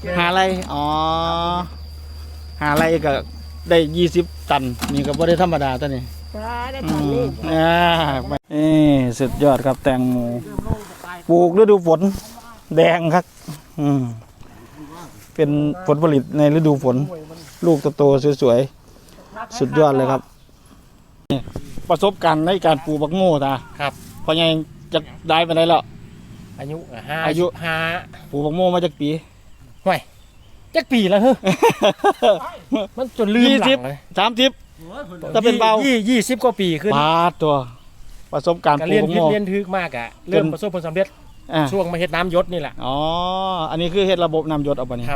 หาไรอ๋อหาไรก็ได้20 ตันนี่ก็บ่ได้ธรรมดาตัวนี้ได้ตันนี่สุดยอดครับแตงโมปลูกฤดูฝนแดงครับเป็นผลผลิตในฤดูฝนลูกโตๆสวยๆสุดยอดเลยครับประสบการณ์ในการปลูกบักโง่ตาครับพอยังจะได้ไปได้แล้วอายุ 5ปลูกบักโง่มาจากปีห่วยจักปีแล้วเฮ้ยมันจนลืมหลังเลย 30ถ้าเป็นเบา 20 กว่าปีขึ้นปาตัวประสบการณ์ปลูกบักโง่เรียนทึกมากอะเริ่มประสบผลสำเร็จช่วงมาเฮ็ดน้ำยศนี่แหละอ๋ออันนี้คือเฮ็ดระบบน้ำยศเอาไปนี่ครับ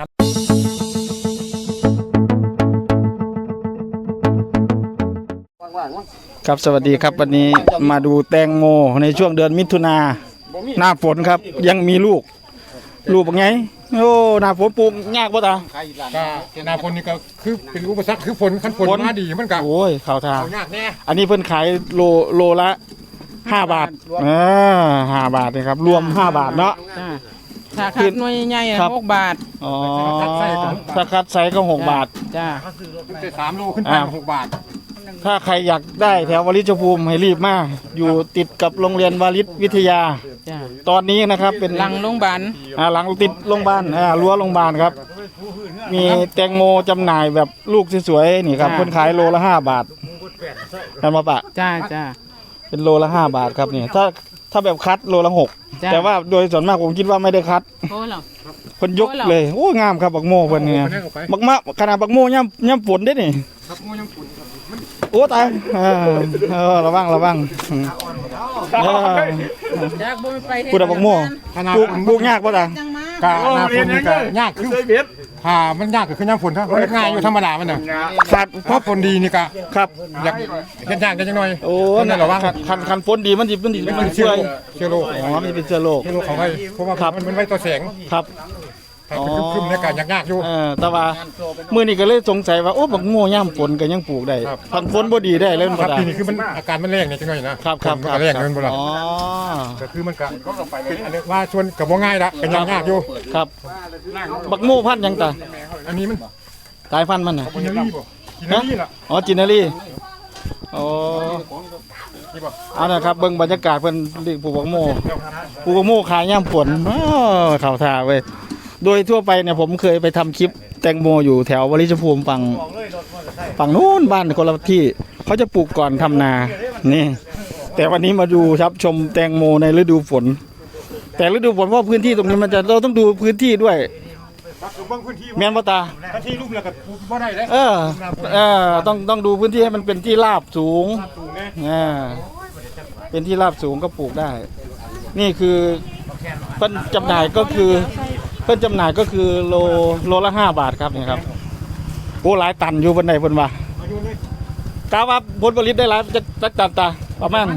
ครับสวัสดีครับวันนี้มาดูแตงโมในช่วงเดือนมิถุนาหน้าฝนครับยังมีลูกเป็นไงโอ้หน้าฝนปลูกยากป่ะตาหน้าฝนนี่ก็คือเป็นอุปสรรคคือฝนมาดีมันก็โอ้ยข่าวทางยากแน่อันนี้เพิ่นขายโลละ5 บาท5 บาทนี่ครับรวม5 บาทเนาะถ้าคัดหน่วยใหญ่6 บาทอ๋อถ้าคัดไซส์ก็6 บาทจ้า 3 โลขึ้นไป6 บาทถ้าใครอยากได้แถววลิชภูมิให้รีบมาอยู่ติดกับโรงเรียนวลิชวิทยาตอนนี้นะครับเป็นหลังโรงพยาบาลหลังติดโรงพยาบาลรั้วโรงพยาบาลครับมีแตงโมจำหน่ายแบบลูกสวยๆนี่ครับคนขายโลละ5 บาทกันมาปะจ้าเป็นโลละ5 บาทครับนี่ถ้าแบบคัดโลละ6แต่ว่าโดยส่วนมากผมคิดว่าไม่ได้คัดคนยกเลยโอ้งามครับบักโมเพิ่นเนี่ยบักมะขนาดบักโมย่ำฝนได้นี่โอ้ตายระวังพูดบักโมปลูกยากป่ะตากะหน้าฝนนี่ก็ยากคือมันยากก็คือย่ำฝนถ้ามันง่ายอยู่ธรรมดามันน่ะขาดเพราะฝนดีนี่ก็ครับอยากเฮ็ดยากจังหน่อยโอ้นั่นระวังคันฝนดีมันเชื้อโรคมันเป็นเชื้อโรคของไว้เพราะว่ามันไว้ต่อแสงครับคึมในการยากอยู่แต่ว่ามื้อนี้ก็เลยสงสัยว่าโอ้บักโง่ย่ำฝนก็ยังปลูกได้พันฝนบ่ดีได้เลยครับปีนี้คือมันอาการมันแรงนี่จังหน่อยนะครับแรงเงินบ่ล่ะก็คือมันก็ว่าชวนก็บ่ง่ายละก็ยากอยู่ครับบักโง่พันธุ์ยังตาอันนี้มันสายพันธุ์มันน่ะจินนารีล่ะอ๋อจินนารีอ๋อเอานะครับเบิ่งบรรยากาศเพิ่นปลูกบักโม่ขายย่ำฝนเข้าท่าเว้ยโดยทั่วไปเนี่ยผมเคยไปทำคลิปแตงโมอยู่แถววลิชภูมิฝั่งนู้นบ้านคนละที่เขาจะปลูกก่อนทำนานี่แต่วันนี้มาดูครับชมแตงโมในฤดูฝนแต่ฤดูฝนเพราะพื้นที่ตรงนี้เราต้องดูพื้นที่ด้วยแม่นบ่ตาที่ลุ่มแล้วก็บ่ได้เลยต้องดูพื้นที่ให้มันเป็นที่ราบสูงเป็นที่ราบสูงก็ปลูกได้นี่คือเพิ่นจำหน่ายก็คือโลละ5 บาทครับนี่ครับโอ้หลายตันอยู่บนไหนบนว่ากาว่าผลผลิตได้หลายจะตันตาประมาณ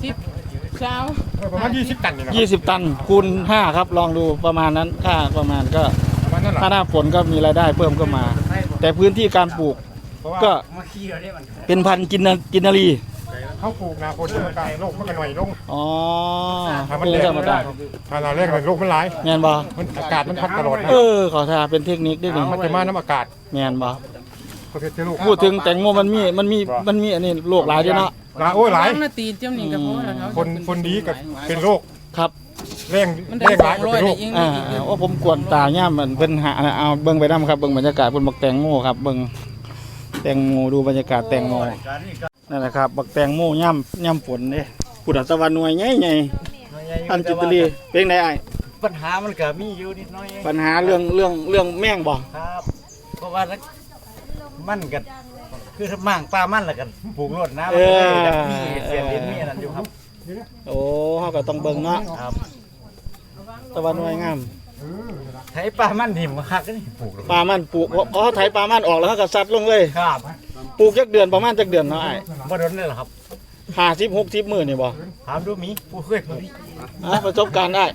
20 ตัน 20 ตันคูณ5ครับลองดูประมาณนั้นค่าประมาณก็ถ้าหน้าฝนก็มีรายได้เพิ่มก็มาแต่พื้นที่การปลูกก็เป็นพันธุ์กินนารีเขาปลูกนาคนมันก็โรคมันก็หน่อยลงมันแรงธรรมดาถ้าเราแรงโรคมันหลายแมนบ่อากาศมันพัดตลอดขอทาเป็นเทคนิคด้วยนี่มันจะมาน้ำอากาศแมนบ่พูดถึงแตงโมมันมีอันนี้โรคหลายด้วยเนาะโอ้ยหลายคนดีกับเป็นโรคครับแรงหลายเป็นโรคว่าผมกวนตาย่ามันเป็นหาเอาเบิ่งไปน้ำครับเบิ่งบรรยากาศบนบักแตงโมครับเบิ่งแตงโมดูบรรยากาศแตงโมนั่นแหละครับบักแตงโมย่ำฝนเนี่ยปุถุตะวันหน่วยใหญ่ท่านจิตรีเป็นไงไอ้ปัญหามันก็มีอยู่นิดน้อยปัญหาเรื่องแม่งบ่ครับเพราะว่ามันกันคือถ้ามั่งปลามันละกันปลูกรดน้ำมีเสียดินมีนั่นอยู่ครับโอ้เขาก็ต้องเบิ่งเนาะครับตะวันหน่วยงามไถปลามันดิ่มคักนี่ปลูกปลามันปลูกเขาไถปลามันออกแล้วเขาก็ซัดลงเลยครับปลูกจักเดือนประมาณจักเดือนเนาะไอ้บ่โดนนี่แหละครับ 50-60 มื้อนี่บ่ถามดูมีผู้เคยปลูกประสบการณ์ได้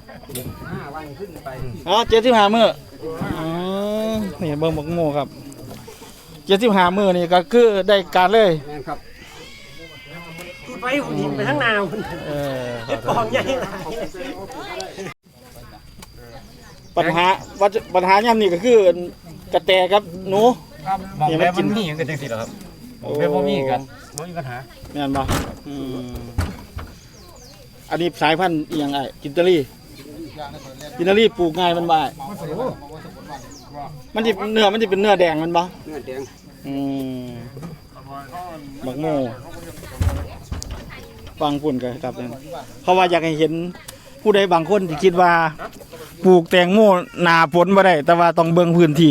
75 มื้อนี่เบิ่งบักโมครับ75 มื้อนี่ก็คือได้การเลยครับไปหินไปทั้งนาวปองใหญ่ปัญหาย่ำนี่ก็คือกระแตกับหนูมองแล้วมันมีกันจังสิเหรอครับผมเรียกว่ามีกันไม่มีปัญหาแม่นบ่อันนี้สายพันธุ์อีหยังไอ้กินตาลีปลูกง่ายมันบ่อ้ายมันสิเนื้อมันสิเป็นเนื้อแดงมันบ่เนื้อแดงบักโมฟังปุ่นกันครับนั่นเพราะว่าอยากให้เห็นผู้ใดบางคนที่คิดว่าปลูกแตงโมหนาฝนบ่ได้แต่ว่าต้องเบิ่งพื้นที่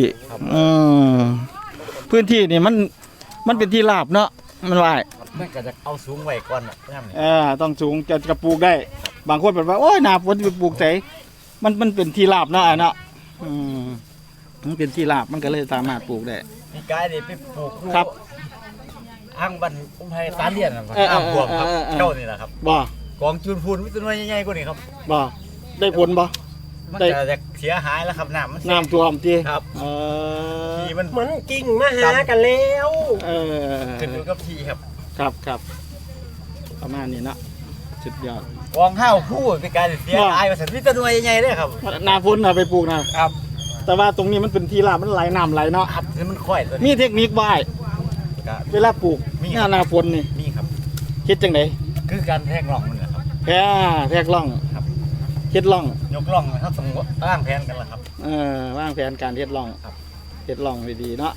พื้นที่นี่มันเป็นที่ราบเนาะมันว่ามันก็จะเอาสูงไว้ก่อนน่ะต้องสูงจะปลูกได้ บางคนแบบว่าโอ้ยหนาฝนจะไปปลูกไสมันเป็นที่ราบเนาะเนาะมันเป็นที่ราบมันก็เลยสามารถปลูกได้มีกายนี่ไปปลูกครับอ้างบันอุ้มไทยตาเลียนนะครับอ้างบวมครับเจ้านี่แหละครับบ่กองจูนพูนวิตน้อยใหญ่ๆกว่านี้ครับบ่ได้ผลบ่มันจะเสียหายแล้วครับน้ำมันน้ำท่วมที่ครับทีมันมันกิ่งมาหากันแล้วขึ้นอยู่กับทีครับครับประมาณนี้เนาะสุดยอดกองข้าวคู่เป็นการเสียหายมาสันวิตน้อยใหญ่ๆเลยครับหนาฝนไปปลูกนะครับ แต่ว่าตรงนี้มันเป็นที่ราบมันไหลน้ำไหลเนาะอัดนี่มันค่อยตัวมีนี้เทคนิคบ่ายเวลาปลูกหน้าฝนนี่นี่ครับคิดจังไดคือการแทงร่องมันนะครับแทกล่องครับเฮ็ดล่องยกร่องเขาต้องร่างแผนกันละครับวางแผนการเฮ็ดล่องครับเฮ็ดล่องดีๆเนาะ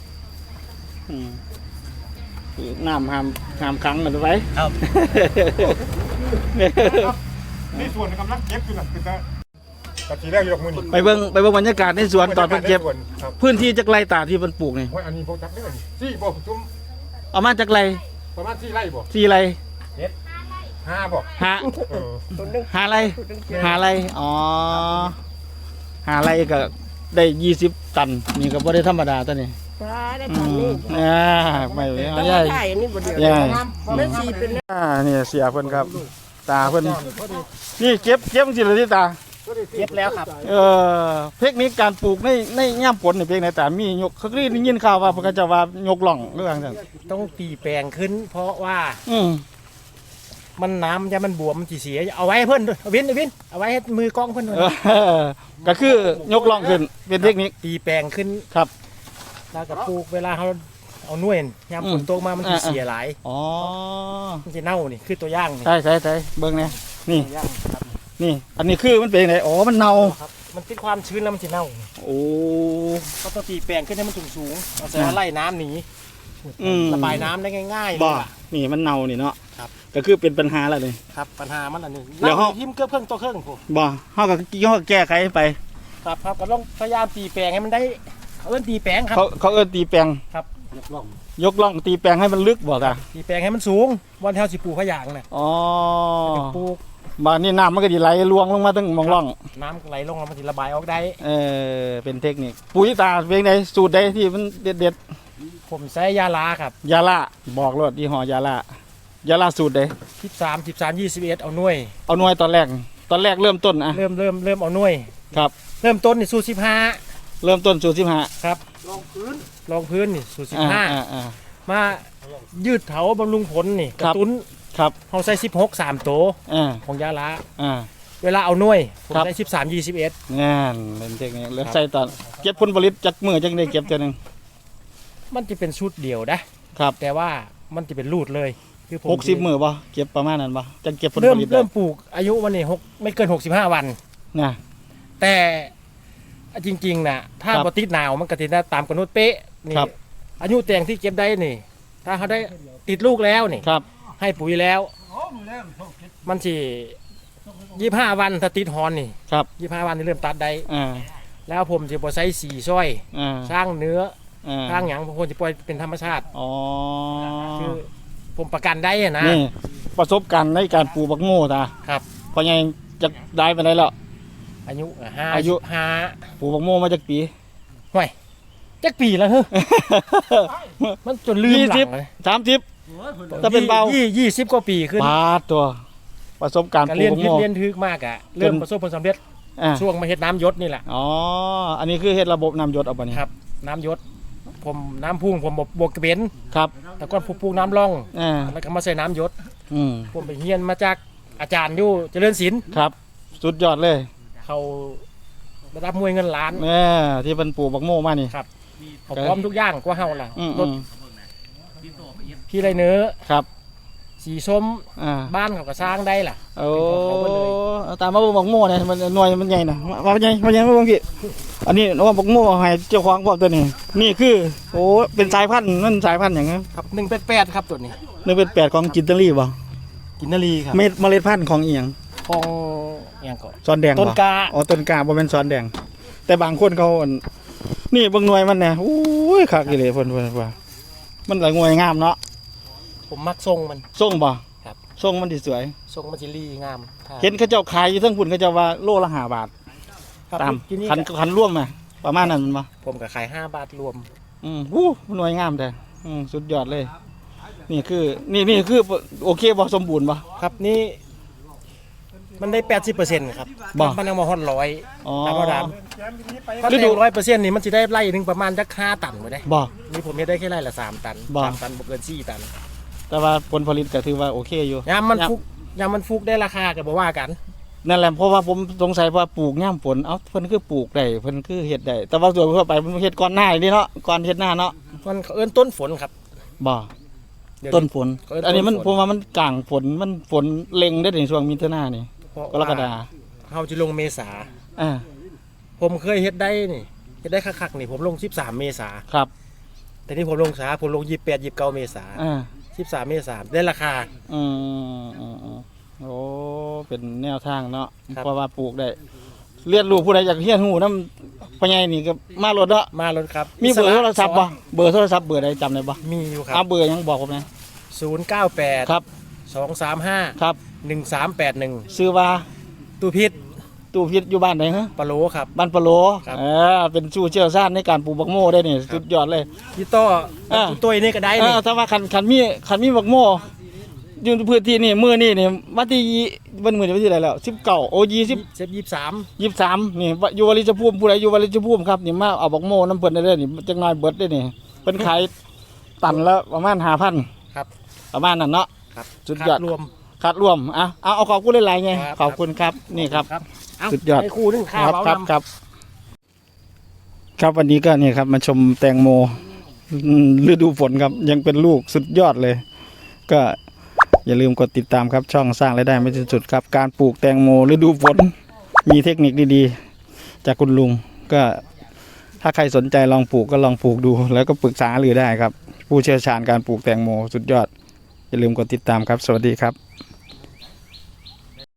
น้ำห้ามขังมันไว้ครับในส่วนกำลังเก็บอยู่น่ะคือตะกี้แรกยกมือนี่ไปเบิ่งบรรยากาศในสวนตอนเพิ่นเก็บครับพื้นที่จักไรตาที่เพิ่นปลูกนี่อันนี้บ่จับได้สี่บ่ตุ้มเอามาจักไรประมาณ4ไร่บ่ 4ไร 5บ่หาเออหาไรอ๋อหาไรก็ได้20 ตันนี่ก็บ่ได้ธรรมดาตัวนี้ฟ้าได้ผ่านนี่ไม่เอาต้องใหญ่ใช่อันนี้บ่เดียวใหญ่ไม่ชีเป็นนี่เสียเพิ่นครับ ตาเพิ่นนี่เก็บจังซี่เลยที่ตาเก็บแล้วครับเทคนิคการปลูกในย่ามฝนนี่เพียงไหนแต่มียกเขาได้ยินข่าวว่าเพิ่นก็จะว่ายกล่องเรื่องนั้นต้องตีแปลงขึ้น เพราะว่า มันน้ำจะมันบวมมันสิเสียเอาไว้ให้เพิ่นด้วยวินเอาไว้ให้มือกล้องเพิ่นด้วยก็คือยกล่องขึ้นเป็นเทคนิคตีแปลงขึ้นครับแล้วก็ปลูกเวลาเขาเอาหน่วยยามฝนตกมามันสิเสียหลายอ๋อมันสิเน่านี่คือตัวอย่างนี่ใช่เบิ่งเนี่ยนี่ตัวอย่างครับนี่อันนี้คือมันเป็นยังไงอ๋อมันเน่าครับมันติดความชื้นแล้วมันสิเน่าโอ้ก็ต้องตีแปลงขึ้นให้มันสูงๆเอาใส่ไล่น้ำหนี ระบายน้ำได้ง่ายๆบ่เลยล่ะนี่มันเน่านี่เนาะครับก็คือเป็นปัญหาแล้วนี่ครับปัญหามันอันนี้เดี๋ยวน้ำทิมเกือบเครื่องตัวเครื่องผมบ่เฮาก็แก้ไขไปครับก็ต้องพยายามตีแปลงให้มันได้เขาเอิ้นตีแปลงครับเขาเอิ้นตีแปลงครับยกล่องตีแปลงให้มันลึกบ่ตาตีแปลงให้มันสูงวันเท่าสิปลูกพะยางน่ะอ๋อจะปลูกบ้านนี้น้ำมันก็ดีไหลลวงลงมาตั้งมองร่องน้ำไหลลงแล้วมันจะระบายออกได้เป็นเทคนิคปุ๋ยตาเป็นไงสูตรใดที่มันเด็ดผมใช้ยาลาครับยาล่าบอกรถยี่ห้อยาล่าสูตรใด 13 21เอาหน่วยเอาหน่วยตอนแรกเริ่มต้นอะเริ่มเอาหน่วยครับเริ่มต้นนี่สูตรเริ่มต้นสูตร15 15ครับรองพื้นนี่สูตรอ่า 15มายืดเถาบำรุงผลนี่กครัระบตุ้นครับเขาใส่16 3โตอ่าของยาลาอ่าเวลาเอาหน่วยผมครับได้13 21 งานเป็นเทคนิคแล้วใส่ตอนเก็บผลผลิตจากมือจังได้เก็บเท่านึงมันจะเป็นชุดเดียวนะครับ แต่ว่ามันจะเป็นรูดเลยคือผม 60มื้อบ่เก็บประมาณนั้นบ่จังเก็บผลเริ่ผม ลิตได้เริ่มปลูกอายุวันนี้ไม่เกิน65 วันนะแต่จริงๆนะถ้าครับปติดหนาวมันก็ติดได้ตามกำหนดเป๊ะนี่ครับอายุแตงที่เก็บได้นี่ ถ้าเขาได้ติดลูกแล้วนี่ครับให้ปุ๋ยแล้ว มันสิ25 วันถ้าติดฮอนนี่ครับ 25 วันนี่เริ่มตัดได้อ่าแล้วผมจะบ่ใช้สีซ้อยอ่าสร้างเนื้ออ่าสร้างหยังผมจะปล่อยเป็นธรรมชาติอ๋อคือผมประกันได้อะนะนี่ประสบการณ์ในการปลูกบักโง่ตาครับพอยังจะได้ไปได้แล้วอายุอายุ 5 ปลูกบักโม่มาจากปีห่วยจักปีแล้วเฮ้ยมันจนลืมหลังเลย 30ถ้าเป็นเบา 20 กว่าปีขึ้นบาทตัว ประสบการณ์การปลูเรียกนบักพิษโม่เรียนทึกมากอะเริ่มประสบผลสำเร็จอ่าช่วงมาเฮ็ดน้ำยศนี่แหละอ๋ออันนี้คือเฮ็ดระบบน้ำหยศเอาบ่นี่ครับ น้ำยศผมน้ำพุ่งผมบวกกระเบนครับแต่ก่อนผมปลูกน้ำร่องอ่าแล้วก็มาใส่น้ำยศอืมผมไปเรียนมาจากอาจารย์อยู่เจริญศิลป์ครับ สุดยอดเลยเขาระดับมวยเงินล้านที่เป็นปลูกบักโม่มานี่ครับเขาพร้อมทุกอย่างกว่าเฮาล่ะอืมรถพี่ไรเนื้อครับสีส้มอ่าบ้านเขาก็สร้างได้ล่ะโอ้เขาก็เลยเอาตามมาเบิ่งบักโม่เนี่ยมันหน่วยมันใหญ่นะว่าใหญ่มาเบิ่งพี่อันนี้ว่าบักโม่ให้เจ้าของพวกตัวนี้นี่คือโอ้เป็นสายพันธุ์มันสายพันธุ์อย่างเงี้ยครับ188ครับตัวนี้นี่เป็น8ของจินตาลีบ่กินนารีครับเมล็ดพันธุ์ของอีหยังของอย่างก่อนซอนแดงบ่ต้นกาอ๋อต้นกาบ่แม่นซอนแดง แต่บางคนเขาอั่นนี่เบิ่งหน่วยมันเนี่ยโอ้ยคักอีหลีเพิ่นว่ามันละหน่วยงามเนาะผมมักทรงมันส่งบ่ครับส่งมันสิสวยทรงมันจิรีงามครับเห็นเขาเจ้าขายอยู่ทั้งพุ่นเขาเจ้าว่าโลละ5 บาทครับตามที่นี่คันร่วมน่ะประมาณนั้นมันบ่ผมก็ขาย5 บาทรวมหน่วยงามแต่สุดยอดเลย นี่คือนี่คือโอเคบ่สมบูรณ์บ่ครับนี่มันได้ 80%ครับบ่มันยังมาฮอด100 อ๋อตามมาดามถ้าฤฤดูดู100%นี่มันสิได้ไร่หนึงประมาณจัก5 ตันบ่ได้บ่นี่ผมเฮ็ดได้แค่ไร่ละ3 ตันบ่ 3 ตันบ่เกิน4 ตันแต่ว่าผลผลิตก็ถือว่าโอเคอยู่ยามมันฟุกได้ราคาก็บ่ว่ากันนั่นแหละเพราะว่าผมสงสัยว่าปลูกย่ามฝนเอ้าเพิ่นคือปลูกได้เพิ่นคือเฮ็ดได้แต่ว่าส่วนทั่วไปมันเฮ็ดก่อนหน้านี่เนาะก่อนเฮ็ดหน้าเนาะมันเขาเอิ้นต้นฝนครับบ่เดี๋ยวต้นฝนเขาเอิ้นอันนี้มันต้นฝนผมว่ามันกลางฝนมันฝนเล็งได้ในช่วงมิถุนายนนี่เพราะกรกฎาว่าเฮาจะลงเมษาอ่าผมเคยเฮ็ดได้นี่เฮ็ดได้คักๆนี่ผมลง13 เมษาครับแต่นี่ผมลงช้าผมลง28 29 เมษาอ่า 13 เมษาได้ราคาอืมโอ้เป็นแนวทางเนาะครับเพราะว่าปลูกได้เรียนรู้ผู้ใดอยากเรียนรู้นำพ่อใหญ่นี่ก็มาโลดเนาะมารถครับมีเบอร์โทรศัพท์บ่เบอร์โทรศัพท์เบอร์ใดจำได้บ่มีอยู่คเอารับเบอร์หยังบอกผมนะ 098 ครับ 235 ครับ 1381 ชื่อว่าตู้พิษตู่พิษอยู่บ้านไหนฮะปะโลครับบ้านปะโลครับเป็นผู้เชี่ยวชาญในการปลูกบักโม่ได้นี่สุดยอดเลยพี่ต้ออ่าพี่ตุ้ยนี่ก็ได้นี่ถ้าว่าคันมีบักโม่อยู่ในพื้นที่นี่มื้อนี่วันที่วันมื้อนี้วันที่อะไรแล้ว19โอ้20 เซฟ23 23นี่อยู่วลิชภูมิผู้ใดอยู่วลิชภูมิครับนี่มาเอาบักโม่น้ำเพิ่นได้เลยนี่จักหน่อยเบิดได้นี่เพิ่นขายตันละประมาณ 5,000 ครับประมาณนั้นเนาะครับสุดยอดรวมคัดรวมเอาขอบคุณหลายๆไงครับขอบคุณครับนี่ครับครับเาสุดยอดให้ครูนึงคข้ารัวบเอาครับนำครับครับวันนี้ก็นี่ครับมาชมแตงโมฤดูฝนครับยังเป็นลูกสุดยอดเลย ก็อย่าลืมกดติดตามครับช่องสร้างรายได้ไม่สิ้นสุดครับการปลูกแตงโมฤดูฝนมีเทคนิคดีๆจากคุณลุงก็ถ้าใครสนใจลองปลูกก็ลองปลูกดู แล้วก็ปรึกษาหรือได้ครับ ผู้เชี่ยวชาญการปลูกแตงโมสุดยอดอย่าลืมกดติดตามครับสวัสดีครับ